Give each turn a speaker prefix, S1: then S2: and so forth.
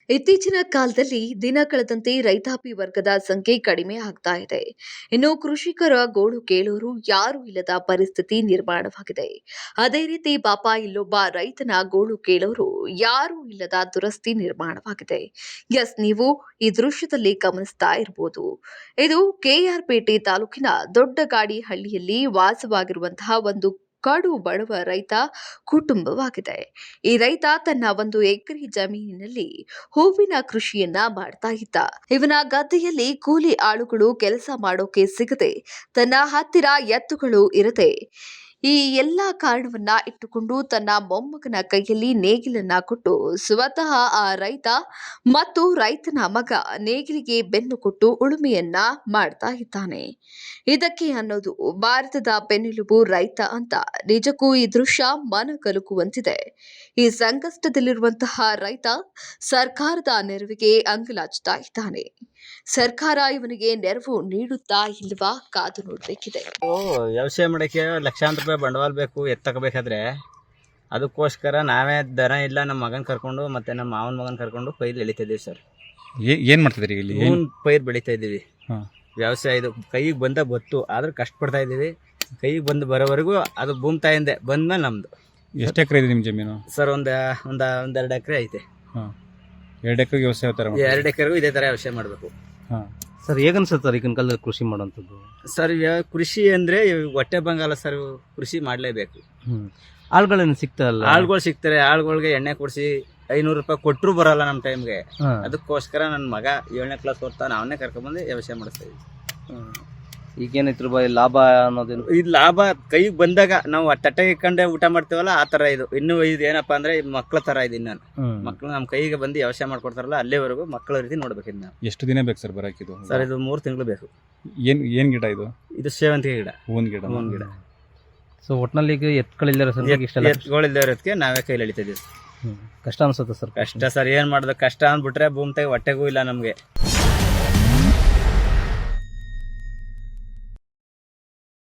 S1: ಇತ್ತೀಚಿನ ಕಾಲದಲ್ಲಿ ದಿನ ಕಳೆದಂತೆ ರೈತಾಪಿ ವರ್ಗದ ಸಂಖ್ಯೆ ಕಡಿಮೆ ಆಗ್ತಾ ಇದೆ. ಇನ್ನು ಕೃಷಿಕರ ಗೋಳು ಕೇಳೋರು ಯಾರೂ ಇಲ್ಲದ ಪರಿಸ್ಥಿತಿ ನಿರ್ಮಾಣವಾಗಿದೆ. ಅದೇ ರೀತಿ ಪಾಪ ಇಲ್ಲೊಬ್ಬ ರೈತನ ಗೋಳು ಕೇಳೋರು ಯಾರೂ ಇಲ್ಲದ ದುರಸ್ತಿ ನಿರ್ಮಾಣವಾಗಿದೆ. ಎಸ್, ನೀವು ಈ ದೃಶ್ಯದಲ್ಲಿ ಗಮನಿಸ್ತಾ ಇರಬಹುದು. ಇದು ಕೆಆರ್ಪೇಟೆ ತಾಲೂಕಿನ ದೊಡ್ಡಗಾಡಿ ಹಳ್ಳಿಯಲ್ಲಿ ವಾಸವಾಗಿರುವಂತಹ ಒಂದು ಕಡು ಬಡವ ರೈತ ಕುಟುಂಬವಾಗಿದೆ. ಈ ರೈತ ತನ್ನ 1 ಎಕರೆ ಜಮೀನಿನಲ್ಲಿ ಹೂವಿನ ಕೃಷಿಯನ್ನ ಮಾಡ್ತಾ ಇದ್ದ. ಇವನ ಗದ್ದೆಯಲ್ಲಿ ಕೂಲಿ ಆಳುಗಳು ಕೆಲಸ ಮಾಡೋಕೆ ಸಿಗದೆ, ತನ್ನ ಹತ್ತಿರ ಎತ್ತುಗಳು ಇರದೆ, ಈ ಎಲ್ಲಾ ಕಾರಣವನ್ನ ಇಟ್ಟುಕೊಂಡು ತನ್ನ ಮೊಮ್ಮಗನ ಕೈಯಲ್ಲಿ ನೇಗಿಲನ್ನ ಕೊಟ್ಟು ಸ್ವತಃ ಆ ರೈತ ಮತ್ತು ರೈತನ ಮಗ ನೇಗಿಲಿಗೆ ಬೆನ್ನು ಕೊಟ್ಟು ಉಳುಮೆಯನ್ನ ಮಾಡ್ತಾ ಇದ್ದಾನೆ. ಇದಕ್ಕೆ ಅನ್ನೋದು ಭಾರತದ ಬೆನ್ನೆಲುಬು ರೈತ ಅಂತ ನಿಜಕ್ಕೂ ಈ ದೃಶ್ಯ ಮನ ಕಲಕುವಂತಿದೆ. ಈ ಸಂಕಷ್ಟದಲ್ಲಿರುವಂತಹ ರೈತ ಸರ್ಕಾರದ ನೆರವಿಗೆ ಅಂಗಲಾಚ್ತಾ ಇದ್ದಾನೆ. ಸರ್ಕಾರ ಇವನಿಗೆ ನೆರವು ನೀಡುತ್ತಾ ಇಲ್ವಾ ಕಾದು ನೋಡ್ಬೇಕಿದೆ.
S2: ವ್ಯವಸಾಯ ಮಾಡಕ್ಕೆ ಲಕ್ಷಾಂತರ ರೂಪಾಯಿ ಬಂಡವಾಳ ಬೇಕು, ಎತ್ತಕಬೇಕಾದ್ರೆ ಅದಕ್ಕೋಸ್ಕರ ನಾವೇ ದನ ಇಲ್ಲ ನಮ್ಮ ಮಗನ ಕರ್ಕೊಂಡು ಮತ್ತೆ ನಮ್ಮ ಮಾವನ ಮಗನ ಕರ್ಕೊಂಡು ಪೈರು ಎಳಿತಾ ಇದೀವಿ ಸರ್.
S3: ಏನ್ ಮಾಡ್ತಿದ್ರಿ ಇಲ್ಲಿ?
S2: ಪೈರು ಬೆಳಿತಾ ಇದ್ದೀವಿ. ವ್ಯವಸಾಯ ಇದು ಕೈಗೆ ಬಂದ ಬತ್ತು, ಆದ್ರೆ ಕಷ್ಟಪಡ್ತಾ ಇದ್ದೀವಿ. ಕೈಗೆ ಬಂದು ಬರೋವರೆಗೂ ಅದು ಭೂಮಿ ತಾಯಿಂದ ಬಂದ್ಮೇಲೆ ನಮ್ದು.
S3: ಎಷ್ಟು ಎಕರೆ ಇದೆ ನಿಮ್ಮ ಜಮೀನು
S2: ಸರ್? ಒಂದ್ 2 ಎಕರೆ ಐತೆ.
S3: 2 ಎಕರೆಗೆ ವ್ಯವಸಾಯ
S2: 2 ಎಕರೆಗೂ ಇದೇ ತರ ವ್ಯವಸಾಯ ಮಾಡಬೇಕು
S4: ಸರ್. ಹೇಗನ್ಸುತ್ತೆ ಈಗಿನ ಕಾಲದಲ್ಲಿ ಕೃಷಿ ಮಾಡುವಂಥದ್ದು?
S2: ಸರ್ ಕೃಷಿ ಅಂದ್ರೆ ಹೊಟ್ಟೆ ಬಂಗಾಲ ಸರ್, ಕೃಷಿ ಮಾಡ್ಲೇಬೇಕು.
S4: ಆಳುಗಳೇನು ಸಿಗ್ತಾರಲ್ಲ?
S2: ಆಳುಗಳು ಸಿಗ್ತಾರೆ. ಆಳುಗಳಿಗೆ ಎಣ್ಣೆ ಕೊಡಿಸಿ 500 ರೂಪಾಯಿ ಕೊಟ್ಟರು ಬರಲ್ಲ ನಮ್ಮ ಟೈಮ್ಗೆ. ಅದಕ್ಕೋಸ್ಕರ ನನ್ನ ಮಗ 7ನೇ ಕ್ಲಾಸ್ ಓದ್ತಾನೆ, ಅವನ್ನೇ ಕರ್ಕೊಂಡ್ಬಂದು ವ್ಯವಸಾಯ ಮಾಡಿಸ್ತಾ ಇದ್ವಿ.
S4: ಈಗೇನೈತಿ ರೂಪಾಯಿ ಲಾಭ ಅನ್ನೋದೇನು?
S2: ಇದು ಲಾಭ ಕೈಗೆ ಬಂದಾಗ ನಾವು ತಟ್ಟೆ ಇಟ್ಕೊಂಡೆ ಊಟ ಮಾಡ್ತೀವಲ್ಲ, ಆ ತರ ಇದು. ಇನ್ನು ಇದು ಏನಪ್ಪಾ ಅಂದ್ರೆ ಮಕ್ಳ ತರ ಇದೆ. ನಾನು ಮಕ್ಳು ನಮ್ಮ ಕೈಗೆ ಬಂದು ವ್ಯವಸಾಯ ಮಾಡ್ಕೊಡ್ತಾರಲ್ಲ, ಅಲ್ಲಿವರೆಗೂ ಮಕ್ಕಳ ರೀತಿ ನೋಡ್ಬೇಕಿದ್ ನಾವು.
S3: ಎಷ್ಟು ದಿನ ಬೇಕು ಸರ್ ಬರಕಿದು?
S2: ಸರ್ ಇದು 3 ತಿಂಗಳು ಬೇಕು.
S3: ಏನ್ ಗಿಡ ಇದು?
S2: ಇದು ಸೇವಂತಿಗೆ ಗಿಡ, ಹೂವಿನ ಗಿಡ.
S4: ಸೊ ಒಟ್ನಲ್ಲಿ ಈಗ
S2: ಎತ್ಗಳಿಲ್ಲದೆ ಇರೋದಕ್ಕೆ ನಾವೇ ಕೈಲಿ ಎಳಿತಾ ಇದೀವಿ.
S4: ಕಷ್ಟ ಅನ್ಸುತ್ತೆ ಸರ್?
S2: ಕಷ್ಟ ಸರ್, ಏನ್ ಮಾಡೋದು? ಕಷ್ಟ ಅಂದ್ಬಿಟ್ರೆ ಭೂಮಿ ಹೊಟ್ಟೆಗೂ ಇಲ್ಲ ನಮ್ಗೆ.